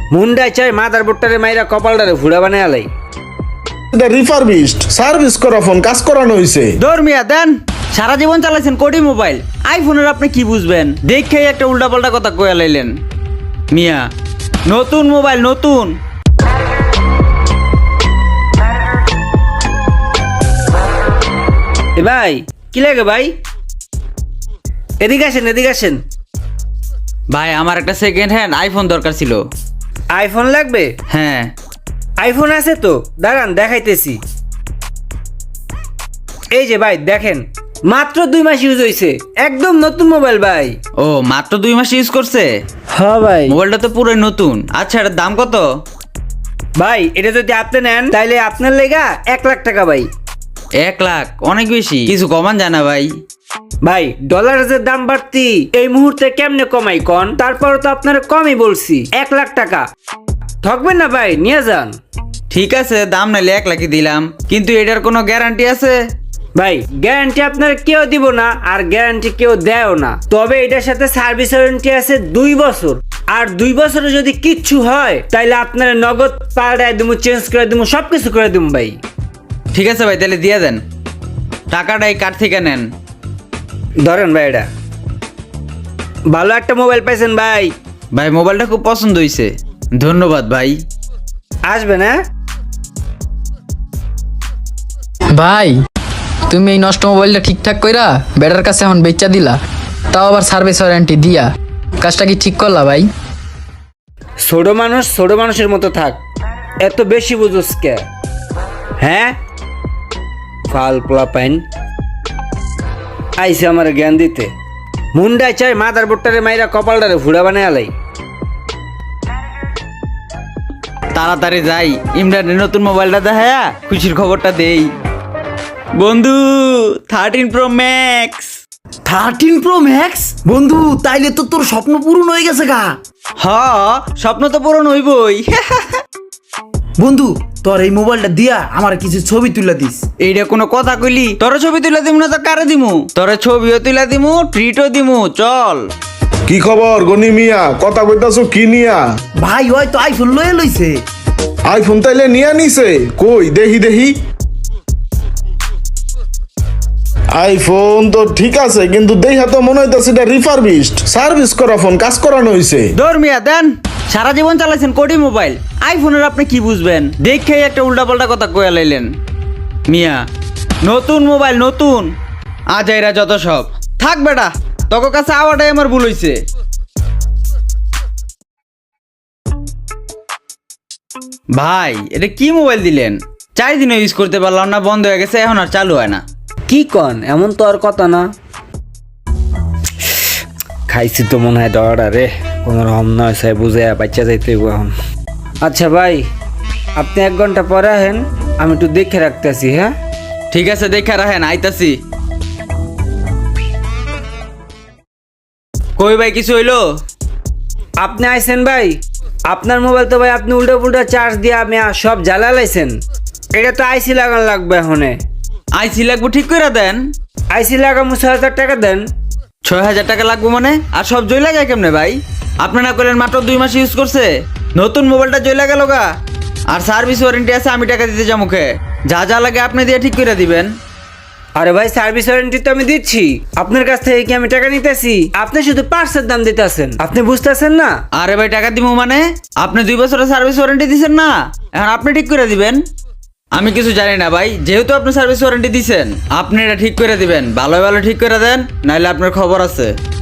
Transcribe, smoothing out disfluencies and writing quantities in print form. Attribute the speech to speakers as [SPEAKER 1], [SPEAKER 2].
[SPEAKER 1] মুন্ডায় চাই মাদারবোর্ডটারে মাইরা কপালটারে ফুড়া বানায় আলাই।
[SPEAKER 2] এটা রিফারবিশড সার্ভিস করা ফোন, কাজ করানো হইছে।
[SPEAKER 3] ধর্মিয়া দেন, সারা জীবন চালাইছেন কোটি মোবাইল, আইফোনের আপনি কি বুঝবেন? দেখেই একটা উল্টাপাল্টা কথা কয়া লাইলেন। মিয়া নতুন মোবাইল নতুন।
[SPEAKER 1] এ ভাই কি লাগে ভাই? এদিকে আসেন, এদিকে আসেন।
[SPEAKER 3] ভাই আমার একটা সেকেন্ড হ্যান্ড আইফোন দরকার ছিল।
[SPEAKER 1] আইফোন লাগবে?
[SPEAKER 3] হ্যাঁ
[SPEAKER 1] আইফোন আছে তো, দাঁড়ান দেখাইতেছি। এই যে ভাই দেখেন, মাত্র 2 মাস ইউজ হয়েছে, একদম নতুন মোবাইল ভাই।
[SPEAKER 3] ও মাত্র 2 মাস ইউজ করছে?
[SPEAKER 1] হ্যাঁ ভাই।
[SPEAKER 3] মোবাইলটা তো পুরোই নতুন। আচ্ছা এটার দাম কত?
[SPEAKER 1] ভাই এটা যদি আপনি নেন তাইলে আপনার লেগা 1 লাখ টাকা ভাই।
[SPEAKER 3] 1 লাখ অনেক বেশি, কিছু কমান যায় না ভাই?
[SPEAKER 1] ভাই ডলারের যে দাম বাড়তি, এই মুহূর্তে কেমনে কমাই কন? তারপর তো আপনার কমই বলছি, 1 লাখ টাকা ঠকবেন না ভাই, নিয়ে যান।
[SPEAKER 3] ঠিক আছে দাম নাইলে 1 লাখই দিলাম, কিন্তু এটার কোনো গ্যারান্টি আছে?
[SPEAKER 1] ভাই গ্যারান্টি আপনার কেউ দিব না, আর গ্যারান্টি কেউ দেয়ও না। তবে এটার সাথে সার্ভিস ওয়ারেন্টি আছে 2 বছর। আর 2 বছরে যদি কিচ্ছু হয় তাইলে আপনার নগদ পাল্টায় দিব, চেঞ্জ করে দিব, সবকিছু করে দিব ভাই।
[SPEAKER 3] ঠিক আছে ভাই তাহলে দিয়ে দেন, টাকাটা এই কার্ড থেকে নেন।
[SPEAKER 1] ধরেন ভাই, এটা ভালো একটা মোবাইল পাইছেন ভাই।
[SPEAKER 3] ভাই মোবাইলটা খুব পছন্দ হয়েছে, ধন্যবাদ ভাই।
[SPEAKER 1] আসবেন হ্যাঁ?
[SPEAKER 4] ভাই তুমি এই নষ্ট মোবাইলটা ঠিকঠাক কইরা বেটার কাছে এখন বেচা দিলা, তাও আবার সার্ভিস ওয়ারেন্টি দিয়া। কাজটা কি ঠিক করলা ভাই?
[SPEAKER 1] ছোট মানুষ ছোট মানুষের মতো থাক, এত বেশি বুঝোস কে? হ্যাঁ ফাল পোলা পাইন আইসে আমার জ্ঞান দিতে। মুন্ডায় চাই মাদারবোর্ডটারে মাইরা কপালটারে ফুড়া বানায় আলাই।
[SPEAKER 3] তাড়াতাড়ি যাই, ইমরানের নতুন মোবাইলটা দেখায়া খুশির খবরটা দেই। বন্ধু 13 Pro Max।
[SPEAKER 5] 13 Pro Max? বন্ধু তাইলে তো তোর স্বপ্ন পূরণ হয়ে গেছে গা।
[SPEAKER 3] হ স্বপ্ন তো পূরণ হইবই।
[SPEAKER 5] বন্ধু তোর এই মোবাইলটা দিয়া আমার কিছু ছবি তুলে দিস।
[SPEAKER 3] এইটা কোনো কথা কইলি? তোরে ছবি তুলে দিমু না তো কারে দিমু? তোরে ছবিও তুলে দিমু, ট্রিটও দিমু, চল।
[SPEAKER 2] কি খবর গনি মিয়া, কথা কইতাছো কি নিয়া?
[SPEAKER 5] ভাই হয়তো আইফোন লয়ে লইছে।
[SPEAKER 2] আইফোন তাইলে নিয়া নিছে? কই দেখি দেখি। আইফোন তো ঠিক আছে, কিন্তু দেখা তো মনে হইতাছে এটা রিফারবিশড সার্ভিস করা ফোন, কাজ করানো হইছে।
[SPEAKER 3] ধর্মিয়া দেন, সারা জীবন চালাইছেন কোটি মোবাইল, আইফোনের আপনি কি বুঝবেন? দেখেই একটা উল্টাপাল্টা কথা কয়া লাইলেন। মিয়া নতুন মোবাইল নতুন, আজ এরা যত সব থাক বেটা, তোর কাছে আওয়াটাই আমার ভুল হইছে। ভাই এটা কি মোবাইল দিলেন? 4 দিনও ইউজ করতে পারলাম না, বন্ধ হয়ে গেছে, এখন আর চালু হয় না।
[SPEAKER 1] কি কন, এমন তো আর কথা না। খাইছি তো মনে হয় ডরাটা রে, কোনো রকম নয় সাই বুঝে বাচ্চা যাইতে হইব এখন। আচ্ছা ভাই আপনি 1 ঘন্টা পরে আহেন, আমি একটু দেখে রাখতেছি। হ্যাঁ
[SPEAKER 3] ঠিক আছে দেখে রাখেন, আইতাছি। কই ভাই কিছু হইলো?
[SPEAKER 1] আপনি আইছেন ভাই? আপনার মোবাইল তো ভাই আপনি উল্টা পুল্টা চার্জ দিয়ে আমি সব জ্বালা লাইছেন। এটা তো আইসি লাগান লাগবে এখনে।
[SPEAKER 3] আইসি লাগবো ঠিক করে দেন।
[SPEAKER 1] আইসি লাগামু 6,000 টাকা দেন।
[SPEAKER 3] 6,000 টাকা লাগবো মানে? আর সব জইলা যায় কেমনে ভাই? আপনি না করলেন মাত্র 2 মাস ইউজ করছে, নতুন মোবাইলটা জইলা গেল গা। আর সার্ভিস ওয়ারেন্টি আছে, আমি টাকা দিতে যাবো মুখে, যা যা লাগে আপনি দিয়ে ঠিক করে দিবেন।
[SPEAKER 1] আরে ভাই সার্ভিস ওয়ারেন্টি তো আমি দিচ্ছি, আপনার কাছ থেকে কি আমি টাকা নিতেছি? আপনি শুধু পার্টসের দাম দিতেছেন, আপনি বুঝতেছেন না?
[SPEAKER 3] আরে ভাই টাকা দিব মানে? আপনি 2 বছরের সার্ভিস ওয়ারেন্টি দিছেন না, এখন আপনি ঠিক করে দিবেন। আমি কিছু জানি না ভাই, যেহেতু আপনি সার্ভিস ওয়ারেন্টি দিছেন আপনি এটা ঠিক করে দিবেন, ভালো ভালো ঠিক করে দেন, নাহলে আপনার খবর আছে।